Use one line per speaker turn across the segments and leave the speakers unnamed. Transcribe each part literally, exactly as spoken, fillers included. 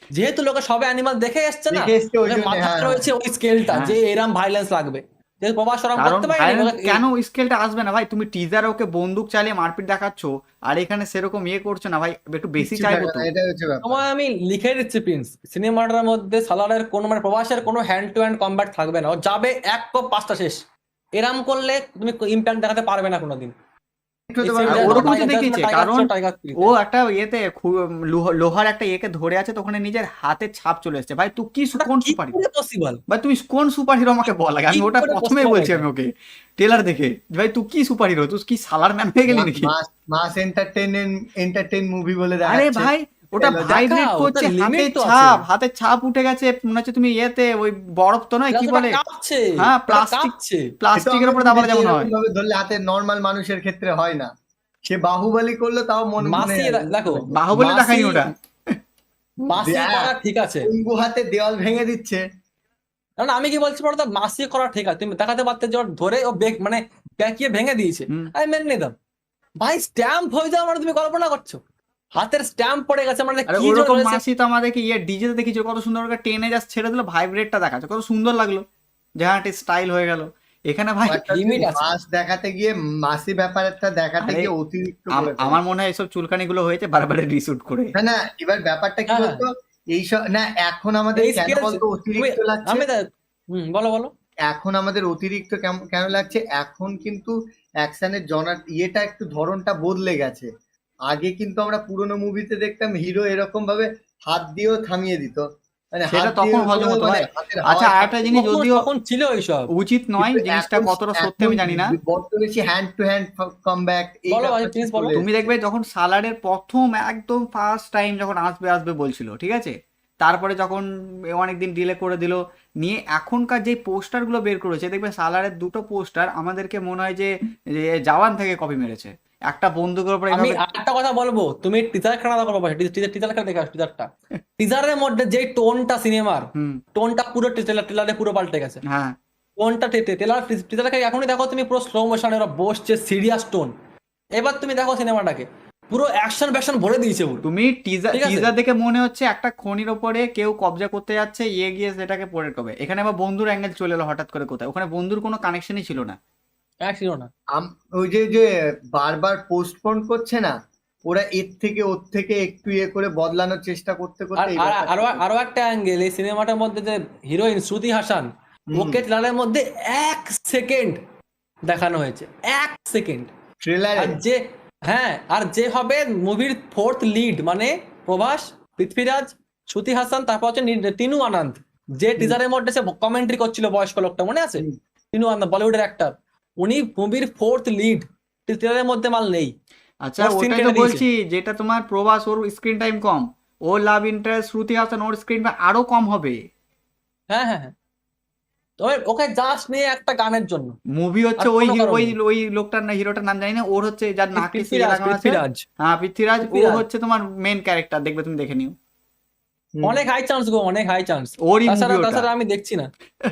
যেহেতু লোকে সবে অ্যানিমাল দেখে এসছে না,
দেখে এসছে ওই
ওদের
জন্য,
মাথায়
হ্যাঁ
রয়েছে ওই স্কেলটা
হ্যাঁ।
যে এরম ভাইলেন্স লাগবে, যে প্রভাস ওরম
কারণ
করতে পারেনি
ভায়োলেন্স
ওকে-
কেন স্কেলটা আসবে না ভাই? তুমি টিজারে ওকে বন্দুক চালিয়ে মারপিট দেখাচ্ছ, আর এখানে সেরকম ইয়ে করছো না ভাই, একটু বেশি
কিচ্ছু
চাইবো
থাকে
তো।
না, এটাই হচ্ছে ব্যাপার।
তোমায় আমি লিখে দিচ্ছি প্রিন্স, সিনেমাটার মধ্যে সালারের কোনো মানে প্রভাসের কোনো হ্যান্ড টু হ্যান্ড কম্ব্যাট থাকবে না, ও যাবে এক কোপ পাঁচটা শেষ। এরম করলে তুমি ইম্প্যাক্ট দেখাতে পারবে না কোনোদিন।
একটু হতে
এই
পারে,
আর
scene টা
ওরকম তো
টাইগার-
দেখিয়েছে,
টাইগার
কারণ
ছিল, টাইগার থ্রিতে।
ও একটা ইয়েতে খু- লোহ- লোহার একটা ইয়েকে ধরে আছে, তো ওখানে নিজের হাতের ছাপ চলে এসছে। ভাই তুই কি সু-
ওটা
কোন
কি
সুপার হিরো?
করে পসিবল?
ভাই তুমি কোন সুপার হিরো আমাকে বল আগে, আমি
কি
ওটা
করে
প্রথমেই
possible
বলছি
এটা?
আমি ওকে ট্রেলার দেখে, যে ভাই তুই কি সুপার হিরো, তুই কি সালার ম্যান হয়ে গেলি নাকি?
Mass mass entertain entertain movie বলে
আরে
দেখাচ্ছে।
ভাই ওটা
দেখাও,
ভাইব্রেট
ওটা
করছে,
limit
হাতের
তো আছে।
ছাপ, হাতের ছাপ উঠে গেছে, মনে হচ্ছে তুমি ইয়েতে ওই বরফ তো নয়, কি
ওটা
বলে,
কাঁপছে,
হ্যাঁ
ওটা
প্লাস্টিক,
কাঁপছে।
প্লাস্টিকের উপরে দাবালে যেমন হয়।
ভাবে ধরলে হাতে নরমাল মানুষের ক্ষেত্রে হয় না, সে বাহুবলী করলো তাও মনে মনে
মাসি দেখো,
বাহুবলী
মাসি-
দেখায়নি ওটা।
মাসি
দেখ।
করা ঠিক আছে,
অঙ্গু হাতে দেওয়াল ভেঙে দিচ্ছে।
কারণ আমি কি বলছি বলতো, মাসি করা ঠিক আছে, তুমি দেখাতে পারতে যে ওর ধরে ও বেক মানে ব্যাকিয়ে ভেঙে দিয়েছে,
হুম।
আমি মেনে নিতাম। ভাই স্ট্যাম্প হয়ে যাওয়া মানে তুমি কল্পনা করছো, হাতের স্ট্যাম্প পড়ে গেছে মানে
আরে
কি জোর
ওরকম
হয়েছে।
মাসি তো আমাদেরকে ইয়ে ডিজেতে দেখিয়েছিল, কত সুন্দর করে টেনে জাস্ট ছেড়ে দিল, ভাইব্রেটটা দেখাচ্ছে, কত সুন্দর লাগলো, জাহাটি স্টাইল হয়ে গেল। এখানে ভাই
limit আছে।
মাস দেখাতে গিয়ে মাসি ব্যাপারটা দেখাতে
আরে,
গিয়ে অতিরিক্ত
আম-
করে ফেলে।
আমার মনে হয় এসব চুলকানি গুলো হয়েছে বারবার রিশুট করে।
না না, এবার ব্যাপারটা কি
হ্যাঁ,
বলতো, এইসব না এখন আমাদের
এই
কেন
skills-
বলতো অতিরিক্ত
তুমি-
লাগছে,
আমি দেখ- হুম বলো বলো।
এখন আমাদের অতিরিক্ত কেম- কেন লাগছে, এখন কিন্তু অ্যাকশনের জনার ইয়েটা একটু ধরনটা বদলে গেছে। আগে কিন্তু আমরা পুরোনো মুভিতে দেখতাম হিরো এরকম ভাবে হাত দিয়েও থামিয়ে দিত, মানে
সেটা
হাত
তখন
দিয়ে
হজম হতো
মানে
ভাই।
হাতের
আচ্ছা
হাওয়ায়
আরেকটা জিনিস,
তখন-
যদিও
তখন ছিল এইসব।
উচিত নয়
কিন্তু
জিনিসটা,
এখন-
কতটা সত্যি আমি
এখন
জানি না।
বড্ড বেশি হ্যান্ড টু হ্যান্ড কামব্যাক এই
বলো ভাই,
ব্যাপারটা
please
চলে
বলো।
তুমি
এসেছে।
দেখবে যখন সালারের প্রথম একদম ফার্স্ট টাইম যখন আসবে আসবে বলছিল, ঠিক আছে, তারপরে যখন অনেকদিন ডিলে করে দিল, নিয়ে এখনকার যে পোস্টারগুলো বের করেছে, দেখবে সালারের দুটো পোস্টার আমাদেরকে মনে হয় যে যে জওয়ান থেকে কপি মেরেছে, একটা বন্দুকের উপরে
আমি
এভাবে।
একটা কথা বলবো, তুমি টিজার খানা দেখো, টিজার টিজার খানা দেখে টিজারটা, টিজারের মধ্যে যে টোনটা সিনেমার,
হুম।
টোনটা পুরো ট্রেলার টেলারে পুরো পাল্টে গেছে।
হ্যাঁ
টোনটা টেলার টিজারকে এখনই দেখো তুমি, পুরো স্লো মোশনে ওরা বসছে, সিরিয়াস টোন। এবার তুমি দেখো সিনেমাটাকে, পুরো অ্যাকশন ব্যাকশন ভরে দিয়েছে পুরো।
তুমি টিজার
ঠিক আছে।
টিজার দেখে মনে হচ্ছে একটা খনির ওপরে কেউ কবজা করতে যাচ্ছে, ইয়ে গিয়ে সেটাকে পড়ে কবে, এখানে আবার বন্ধুর অ্যাঙ্গেল চলে এলো হঠাৎ করে কোথায়, ওখানে বন্ধুর কোনো কানেকশনই ছিল না।
এক ছিল না।
আম- ওই যে যে বারবার পোস্টপোন করছে না, ওরা এর থেকে ওর থেকে একটু ইয়ে করে বদলানোর চেষ্টা করতে
আর
করতে এই
আর-
ব্যাপারটা
আরো
হচ্ছে।
আরো একটা অ্যাঙ্গেল, এই সিনেমাটার মধ্যে যে হিরোইন শ্রুতি হাসান,
হুম।
ওকে ট্রেলারের মধ্যে এক সেকেন্ড দেখানো হয়েছে, এক সেকেন্ড।
ট্রেলারে
আর যে হ্যাঁ, আর যে হবে মুভির ফোর্থ লিড, মানে প্রভাস, পৃথ্বীরাজ, শ্রুতি হাসান, তারপর হচ্ছে নি- তিনু আনন্দ, যে টিজারের মধ্যে সে কমেন্ট্রি করছিল, বয়স্ক লোকটা মনে আছে,
হুম।
তিনু আনন্দ বলিউডের অ্যাক্টর, উনি মুভির ফোর্থ লিড, টিজারের মধ্যে মাল নেই।
আচ্ছা
ওর scene
ওটাই
কেটে
তো
দিয়েছে।
বলছি, যেটা তোমার প্রভাস, ওর স্ক্রিন টাইম কম, ওর লাভ ইন্টারেস্ট শ্রুতি হাসান, ওর স্ক্রিন টাইম আরো কম হবে।
হ্যাঁ হ্যাঁ হ্যাঁ, তবে ওকে জাস্ট নিয়ে একটা গানের জন্য।
মুভি হচ্ছে
আর
ওই
কোনো
হি-
কারণ
ওই
নেই।
ওই লোকটার না, হিরোটার নাম জানি না, ওর হচ্ছে যার নাকে সিল
পৃথ্বীরাজ,
লাগানো আছে,
পৃথ্বীরাজ
হ্যাঁ পৃথ্বীরাজ, ও
পৃথ্বীরাজ।
হচ্ছে তোমার মেন ক্যারেক্টার, দেখবে তুমি দেখে নিও,
হুম।
অনেক হাই চান্স গো, অনেক হাই চান্স।
ওরই
তাছাড়া
মুভি ওটা।
তাছাড়া আমি দেখছি না।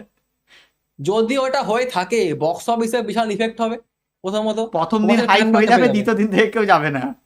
যদি ওটা হয়ে থাকে, বক্স অফিসে বিশাল ইফেক্ট হবে প্রথমত।
প্রথম দিন
তোমাদের
হাইপ
fan
হয়ে
বাড়তে
যাবে,
যাবে।
দ্বিতীয় দিন থেকে কেউ যাবে না।